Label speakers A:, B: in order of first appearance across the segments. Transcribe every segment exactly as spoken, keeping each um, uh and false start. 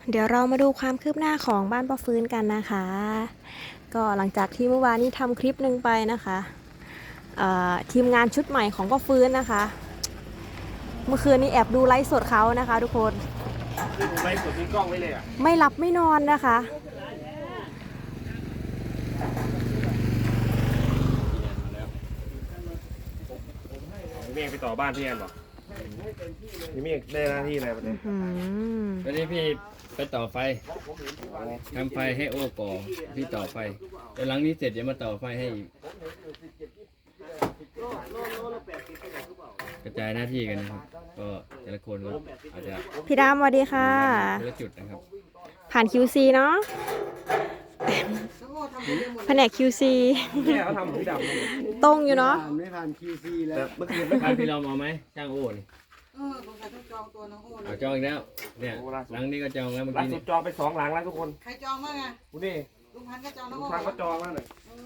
A: เดี๋ยวเรามาดูความคืบหน้าของบ้านป้าฟื้นกันนะคะ ก็หลังจากที่เมื่อวานนี้ทำคลิปหนึ่งไปนะคะทีมงานชุดใหม่ของป้าฟื้นนะคะเมื่อคืนนี้แอบดูไลฟ์สดเขานะคะทุกคน
B: ไลฟ์สดมีกล้องไว้เลยอ่ะ
A: ไม่หลับไม่นอนนะคะ
B: พี่เมฆไปต่อบ้านพี่แอนหรอพี่เมฆได้หน้าที่อะไรวันนี้
C: วันนี้พี่ไปต่อไฟทำไฟให้โอ้ก่อพี่ต่อไฟแต่หลังนี้เสร็จจะมาต่อไฟให้อีกกระจายหน้าที่กันนะครับก็แต่ละคนก็อาจจะ
A: พี่ดำสวัสดีค่ะ
C: คนละจุดนะครับ
A: ผ่าน คิว ซี เนาะแผนก คิว ซี
B: เนี่ยเขาทำพี่ดำ
A: ตรงอยู่เนาะ
D: ไม่ผ่าน คิว ซี แล้ว
B: เมื่อคืนไม่
C: ผ่านพี่เราเอาไหมช่างโอ้นี่
E: เออสงสัยต้องจองตัวน้องโอ้
C: เอาจองอีกแล้วเนี่ยหลังนี้ก็จองแล้วเมื่อ
B: ล่า
C: กี้
B: สุดจองไปสองหลังแล้วทุกคน
E: ใครจองบ้างอะ
B: คุณนี่
E: ลุงพันธุ์ก็จองน้อง
B: ลุง
E: โอ้
B: พันธุ์ก็จองแล้วหน่อย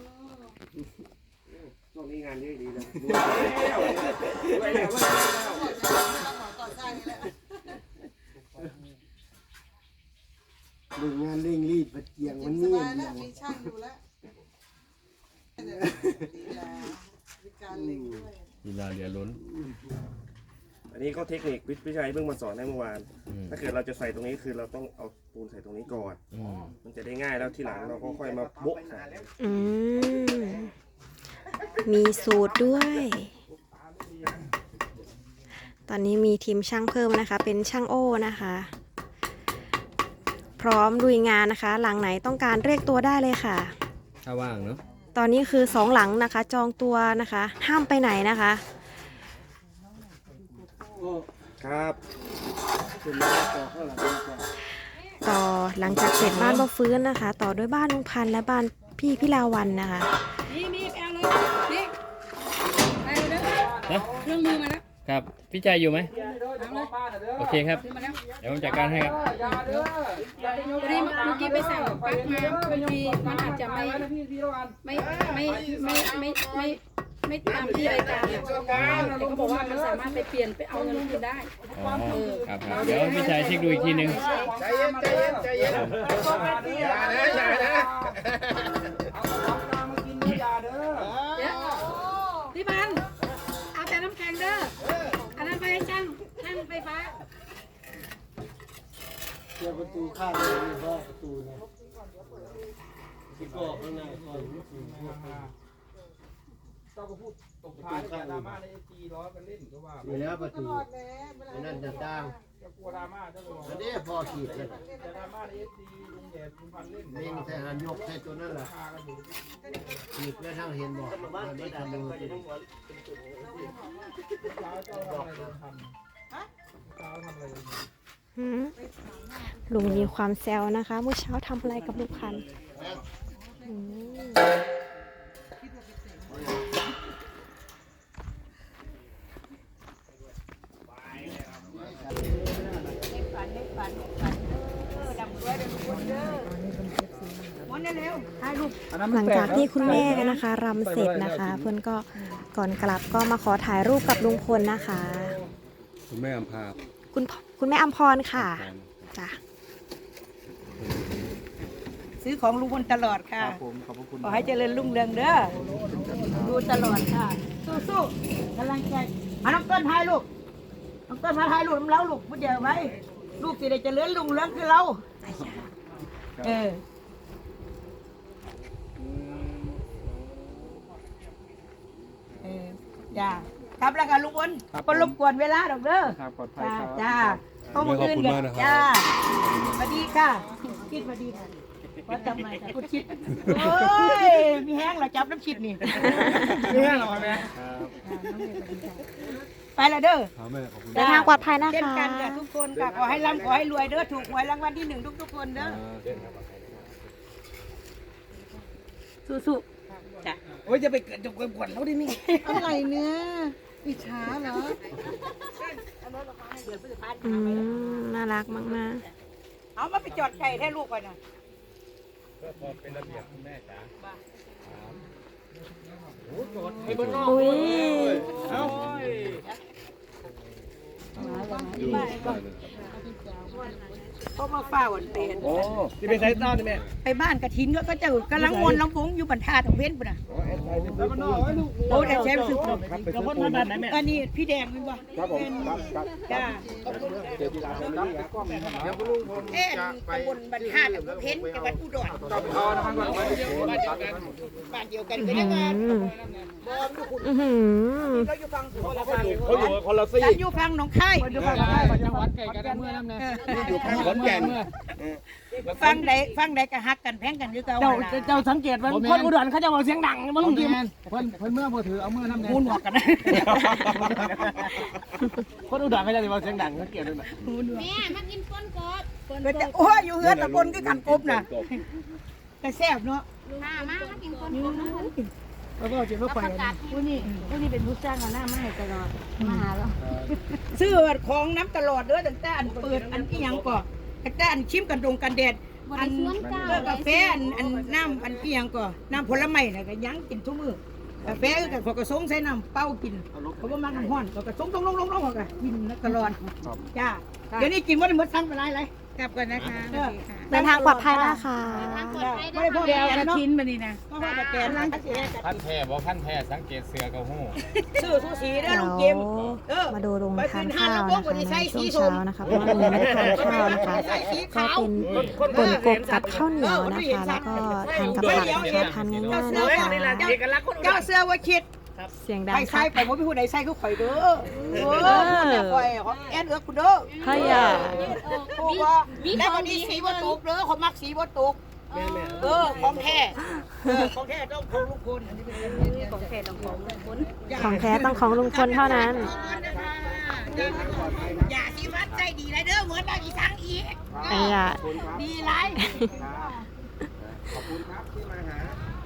B: ช่วงนี้งานเยอะดีนะดูไปแล้วไปแล้ว
E: ต่อสร้างนี่แหละ
D: ดูงานเร่งรีบประเจียงมันนี่
E: สบายแล้วมีช่างอยู่แล้วดีแล้วมีการเล็งด้วย
C: เวลาเดี๋ยวล้น
B: อันนี้ก็เทคนิคพี่ชัยเพิ่งมาสอนให้เมื่อวานถ้าเกิดเราจะใส่ตรงนี้คือเราต้องเอาปูนใส่ตรงนี้ก่อนมันจะได้ง่ายแล้วทีหลังเราก็ค่อยมาโบ๊ะใส่
A: อืมมีสูตรด้วย ตอนนี้มีทีมช่างเพิ่มนะคะเป็นช่างโอ้นะคะพร้อมลุยงานนะคะหลังไหนต้องการเรียกตัวได้เลยค่ะ
C: ถ้าว่างเนาะ
A: ตอนนี้คือสองหลังนะคะจองตัวนะคะห้ามไปไหนนะคะ
B: ครับ
A: ต่อหลังจากเสร็จบ้านป้าฟื้นนะคะต่อด้วยบ้านลุงพันธ์และบ้านพี่พี่ลาวันนะคะ
E: นี่นี่แอลเลยนี่ไปเลยนะเครื่องมือมาแล้ว
C: ครับพี่ใจอยู่ไหมโอเคครับเดี๋ยวผมจัดการให้ครับ
E: วันนี้เมื่อกี้ไปสั่งปลั๊กมาบางทีมันอาจจะไม่ไม่ไม่ไม่ไม่ไม่ไม่ตามที่รายการเนี่ยแต่เขาบอกว่ามันสามารถไปเปลี่ยนไปเอาเงินคืนได้
C: อ๋อครับเดี๋ยวพี่ชายเช็คดูอีกทีนึง
D: ใจเย็นใจเย็นใจเย็นอย่านะอย่านะ
E: พี่พันเอาแต่น้ำแข็งเด้ออันนั้นไปให้ช่างช่างไฟฟ้า
D: เสียประตูข้างเลยเพราะประตูนะที่ก็ข้างหน้าคอย
F: เจ้าก็พูดตกท้ายแต่ดราม่าในเอจีร้อนกันเล่นก็ว่า
D: อยู่แล้วประตูนั่นจะตั้ง
F: จะกลัวดราม่าเจ้าเลย
D: อันนี้พอขีดเลย
F: แต่ดราม่าในเอจีลุงแดดลุงพันเล่น
D: นี่ใส่หันยกใส่ตัวนั่นแหละขีดแล้วทั้งเห็นบอกมันไม่ทำเลย
F: เช้าเจ้าทำอะไรทำเช้าทำอะไร
A: ลุงมีความแซวนะคะเมื่อเช้าทำอะไรกับลุงพันธ์หลังจากที่คุณแม่นะคะรำเสร็จนะคะเพื่อนก็ก่อนกลับก็มาขอถ่ายรูปกับลุงพลนะคะ
C: คุณแม่อัมพา
A: คุณคุณแม่อัมพรค่ะจ้ะ
E: ซื้อของลุงพลตลอดค่ะขอให้เจริญรุ่งเรืองเด้อดูตลอดค่ะสู้ๆกำลังใจมาน้องต้นถ่ายลูกน้องต้นมาถ่ายลูกน้ำเล้าลูกพูดเดียวไว้ลูกสิได้เจริญรุ่งเรืองคือเราเออเออจ้าครับแล้วกันลุงพลก็รบกวนเวลาดอกเด้อจ้าจ้าต้องมืออื่นกันจ้าสวัสดีค่ะคิดสวัสดีค่ะว่าทำไมค่ะคุณคิดโอ้ยมีแห้งเราจับน้ำชิดนี่
F: มีแห้งหรอแม่
E: ไปละเด้อ
A: เดินทางปลอดภัยนะคะ
E: เช่นกันกับทุกคนค่ะขอให้ร่ำขอให้รวยเด้อถูกหวยรางวัลที่หนึ่งทุกๆคนเด้อสู้ๆจ้ะ
F: โอ้ยจะไปเกิดจงกวนเขาดินี่
E: อะไรเนี่ยอิจฉาเหรอ
A: อืมน่ารักมาก
E: ๆเอามาไปจอดไก่ให้ลูกไปนะ
C: ก็พอเป็นระเบียบคุณแม่จ๋า
A: อุ้ย
E: เขามาเฝ้าวันเป็น
B: โอ้ที่เป็นไซต์ต้อนนี่แม่
E: ไปบ้านกระถินก็ก็เจอกำลังมวนลำวงอยู่บรรทัดของเว้นปุ่นน่ะ
B: แล้วมันนอกไว้ลูก
E: โอ้แต่แชมป์สุด
B: ครับไปซื้อปูนมาไหนแม่
E: อันนี้พี่แดงเป็นบ่
B: ครับผมครับครับ
E: จ้า
B: เจอกีฬาครับเดี๋ยวคุณลุงผม
E: เอ๊ะตำบลบรรทัดอำเภอเพ็ญจังหวัดอุดร
B: จับคอนะครับก่อน
E: บ้านเดียวกันก็ได้ว่า
A: อืมอื้อหือ
E: เราอยู่ฟังคนละฟัง
B: เขาอยู่คนละซี่
E: ฉันอยู่ฟังหนองคาย
F: อยู่ฝั่งใต้จังหวัดไก่กันเมื่อน้ำเนี่ย
B: อยู่ข้างขอนแก่น
E: ฟังใดฟังใดก็ฮักกันแพงกันอยู่เก่า
F: เจ้าเจ้าสังเกตว่าคนอุดรเขาจะบอกเสียงดังมึงกินเพิ่นเพิ่นเมื่อพอถือเอาเมื่อน้ำเนี่ย
E: มูนบอกกันนะ
F: คนอุดรเขาจะบอกเสียงดังเขาเกลียดเลย
G: แม่มากินก้นกบก้น
E: ก็
G: ก
E: จะ
G: บ
E: โอ้ยอยู่เฮือนตะบนคือกันกบน่ะแต่แซ่บเนาะ
G: มามามากินก้นกบน้ำมัน
F: แล้วก็จิตว่าไป
G: ประกาศ
H: ผู้นี้ผู้นี้เป็นผู้จ้างเอาหน้ามาให้ตลอดมาหาเรา
E: ซื้อของน้ำตลอดเด้อตั้งแต่อันเปิดอันอีหยังก่อตั้งแต่อันชิมกันดงกันแดด
G: บ
E: อั
G: ริ
E: น
G: สุทธิ์เจ้า
E: เออกาแฟอันอันน้ำอันอีหยังก่อน้ำผลไม้น่ะก็ยังกินทุกมื้อกาแฟก็กับขอกระสงใส่น้ำเป้ากินเขาบ่มักน้ำร้อนขอกระสงลงลงลงลงก็กินตลอดจ้าเดี๋ยวนี้กินบ่ได้หมดสั่งไปหลายเลยกลับก่อนนะคะ
A: เดินทางปลอดภัยนะคะ
G: ทางปลอดภัย
E: ไม่
G: ได้
E: ได้พวก
G: เดี
E: เดี
G: ย
E: ยว ว
G: กั
E: กัน น
G: เนาะ
E: กินมานี่นะก็ว่าแต่แกนล้างเสีย
C: พันแท้บอกพันแท้สังเกตเสือกับหู
E: ซื้อซูชิเด้อ
A: เดี๋ยว
E: ลุงเกมเออ
A: มาดูโรงทานข้าวนะคะในช่วงเช้านะคะเพราะว่าวันนี้ไม่ได้ทานข้าวนะคะ ก็เป็นป่นกบกับข้าวเหนียวนะคะ แล้วก็ทานกับผักนะคะทานง่ายๆนะคะ
E: เจ้าเสื้อว่าคิด
A: เสียงดัง
E: ไปใส่
A: ค่ะ
E: ไปว่าพี่ผู้ใดใส่ก็ข่อยเด้อเออแต่ข่อยของแอนเอือกคุณเด้อ
A: เฮ้ยอ่ะ
E: ผู้ว่าแล้วก็มีสีบ่ตกเด้อเขามักสีบ่ตกเออของแท้เออของแท้ต้องของลุงพลอันนี้เป็นของแท้ต้องของลุงพล
A: ของแท้ต้องของลุงพลเท่านั้น
E: อย่าสิวัดใจดีเลยเด้อเหมือนเราอีสังอีก
A: ไอ้อ่ะ
E: ดีไร
B: ขอบคุณครับที่มาหา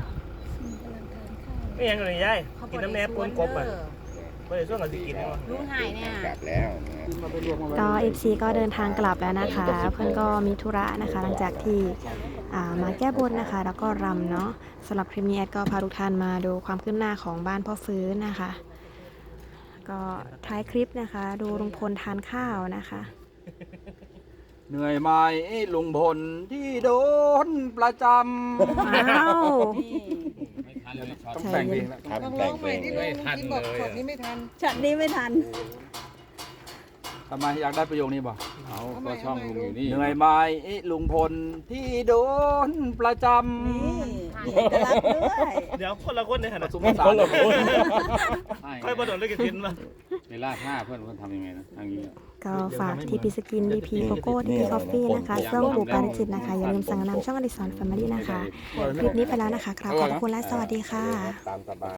B: ไม่ยังเลยยายกินน้ำแหนมปูนกบอ่ะไม่ได้ช่วงเราจะกินเนาะ
G: ลุงหายเนี่ย
B: กลับแล้ว
A: ก็เอฟซีก็เดินทางกลับแล้วนะคะ เพื่อนก็มีธุระนะคะ หลังจากที่อ่ามาแก้บนนะคะ แล้วก็รำเนาะสำหรับคลิปนี้แอดก็พาทุกท่านมาดูความคืบหน้าของบ้านพ่อฟื้นนะคะ ก็ท้ายคลิปนะคะ ดูลุงพลทานข้าวนะคะ
F: เหนื่อยไหมลุงพลที่โดนประจ
A: อ้าว
C: ไม่ทันเลยช็อต
A: ใจเย็น
B: ครับแต่งเพลง
C: ไม่ทันเลย
E: ช็อตนี้ไม่ทัน
H: ช็อตนี้ไม่ทัน
F: ำทำไมอยากได้ประโยคนี้บ่
C: เอาก็ช่องลุงอยู่นี่
F: เหนื่อยไหมลุงพลที่โดนประจ
H: เอกลักษณ์ด้วย
B: เดี๋ยวคนละคนในขณะ
F: ำสุภาษาเลย
B: ค่อยมาโดนเล่นกันกินมา
C: เวลาท่าเพื่อนเพื่อนทำยังไงนะทางนี้
A: ก็ฝากทีพีสกินดีพีโกโก้ทีพีคอฟฟี่นะคะส้มปูปาริจิตนะคะ อย่าลืมสั่งนำช่องอดิสรแฟมิลี่นะคะ คลิปนี้ไปแล้วนะคะครับขอบคุณและสวัสดีค่ะ
B: ตามสบาย